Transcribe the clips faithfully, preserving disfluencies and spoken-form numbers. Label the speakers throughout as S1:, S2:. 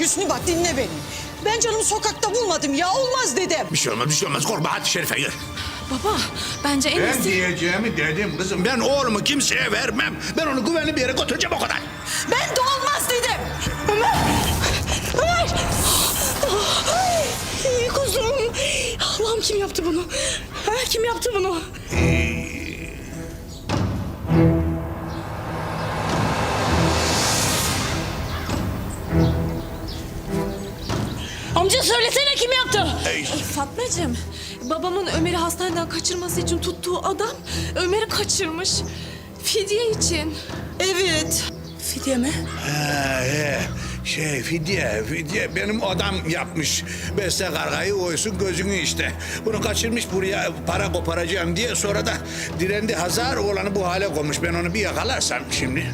S1: Hüsnü bak dinle beni. Ben canımı sokakta bulmadım ya, olmaz dedim.
S2: Bir şey olmaz, bir şey olmaz. Korkma, hadi Şerife gir.
S3: Baba bence en
S2: Ben
S3: iyisi...
S2: diyeceğimi dedim kızım. Ben oğlumu kimseye vermem. Ben onu güvenli bir yere götüreceğim, o kadar.
S1: Ben de olmaz dedim. Ömer! Ömer!
S3: Ay, kuzum. Allah'ım kim yaptı bunu? Ha, kim yaptı bunu? Amca söylesene kim yaptı?
S2: Ey.
S3: Fatmacığım, babamın Ömer'i hastaneden kaçırması için tuttuğu adam Ömer'i kaçırmış. Fidye için.
S1: Evet.
S3: Fidye mi?
S2: Ha, he. Şey fidye, fidye benim adam yapmış. Beste kargayı oysun gözünü işte. Bunu kaçırmış buraya para koparacağım diye, sonra da direndi Hazar, oğlanı bu hale koymuş. Ben onu bir yakalarsam şimdi.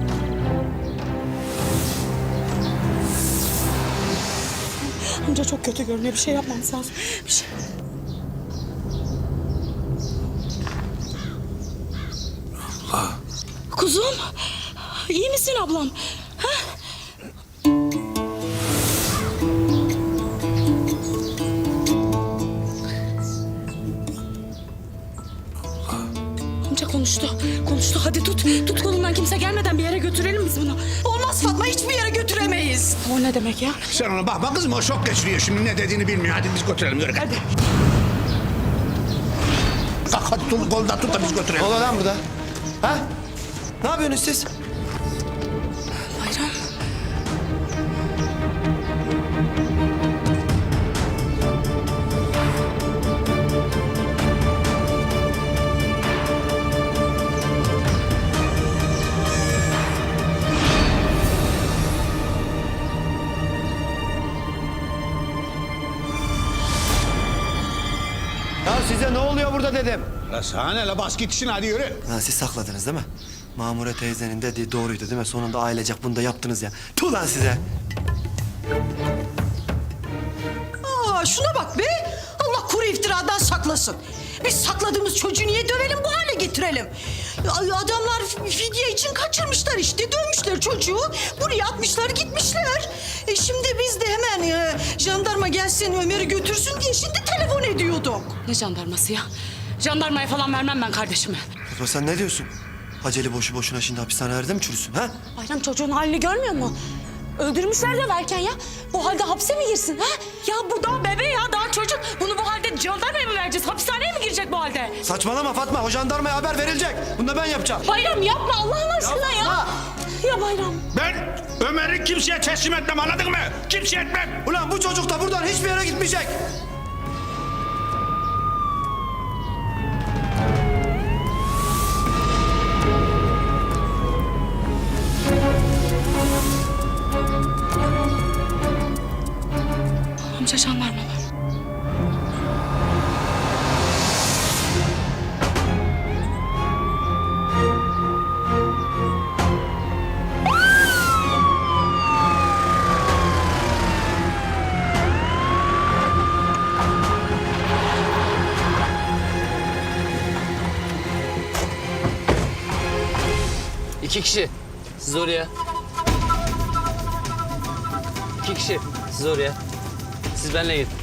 S3: Amca çok kötü görünüyor. Bir şey yapmamız lazım. Bir şey...
S2: Allah.
S3: Kuzum, iyi misin ablam? Ha? Amca konuştu, konuştu. Hadi tut, tut kolundan, kimse gelmeden bir yere götürelim biz bunu.
S1: Olmaz Fatma, hiçbir yere götüremeyiz.
S3: O ne demek ya?
S2: Sen ona bakma kızım, o şok geçiriyor şimdi, ne dediğini bilmiyor. Hadi biz götürelim, yürü. Hadi. Kalk hadi, tut, kolundan tut da biz götürelim.
S4: Ne oluyor lan burada? Ha? Ne yapıyorsunuz siz?
S3: Bayram.
S4: Ya size ne oluyor burada dedim.
S2: La sana ne la, bas git işine, hadi yürü.
S4: Ha, siz sakladınız değil mi? Mamure teyzenin dediği doğruydu değil mi? Sonunda ailecek bunu da yaptınız ya. Tuh lan size.
S1: Aa, şuna bak be. Allah kuru iftiradan saklasın. Biz sakladığımız çocuğu niye dövelim, bu hale getirelim? Ay, adamlar fidye için kaçırmışlar işte. Dövmüşler çocuğu. Buraya atmışlar gitmişler. E şimdi biz de hemen e, jandarma gelsin Ömer'i götürsün diye şimdi telefon ediyorduk.
S3: Ne jandarması ya? Jandarmaya falan vermem ben kardeşimi.
S4: Fatma sen ne diyorsun? Haceli boşu boşuna şimdi hapishanelerde mi çürüsün ha?
S3: Bayram çocuğun halini görmüyor musun? Öldürmüşler de verken ya. Bu halde hapse mi girsin ha? Ya bu daha bebe ya, daha çocuk. Bunu bu halde jandarmaya mı vereceğiz? Hapishaneye mi girecek bu halde?
S4: Saçmalama Fatma, o jandarmaya haber verilecek. Bunu da ben yapacağım.
S3: Bayram yapma Allah'ın aşkına ya.
S4: Yapma.
S3: Ya Bayram.
S2: Ben Ömer'i kimseye teslim etmem, anladın mı? Kimseye etmem.
S4: Ulan bu çocuk da buradan hiçbir yere gitmeyecek.
S3: Amca jandarma var.
S5: İki kişi. Siz oraya. İki kişi. Siz oraya. Siz benimle gidin.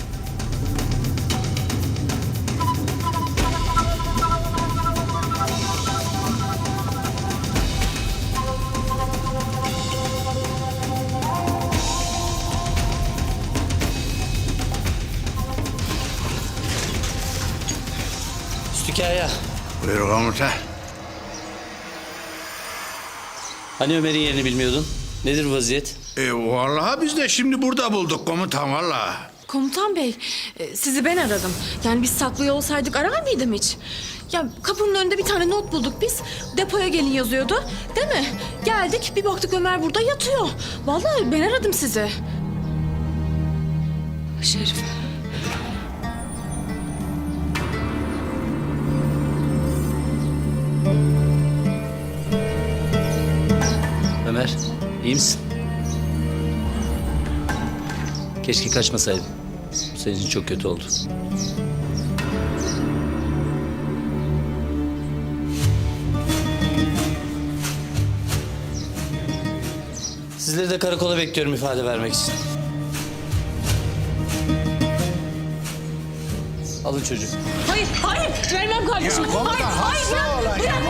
S5: Üstükaya.
S2: Buyur komutan.
S5: Hani Ömer'in yerini bilmiyordun? Nedir vaziyet?
S2: E vallahi biz de şimdi burada bulduk komutan, vallahi.
S3: Komutan bey, e, sizi ben aradım. Yani biz saklıyor olsaydık arar mıydım hiç? Ya kapının önünde bir tane not bulduk biz. Depoya gelin yazıyordu. Değil mi? Geldik bir baktık Ömer burada yatıyor. Vallahi ben aradım sizi. Şerif.
S5: Ömer, iyi misin? Keşke kaçmasaydın. Bu senin için çok kötü oldu. Sizleri de karakola bekliyorum ifade vermek için. Alın çocuğu.
S3: Hayır, hayır. Vermem kardeşim.
S2: Ya baba da
S3: hayır, hayır,
S2: hasta
S3: bırak,
S2: olan ya.
S3: bırak.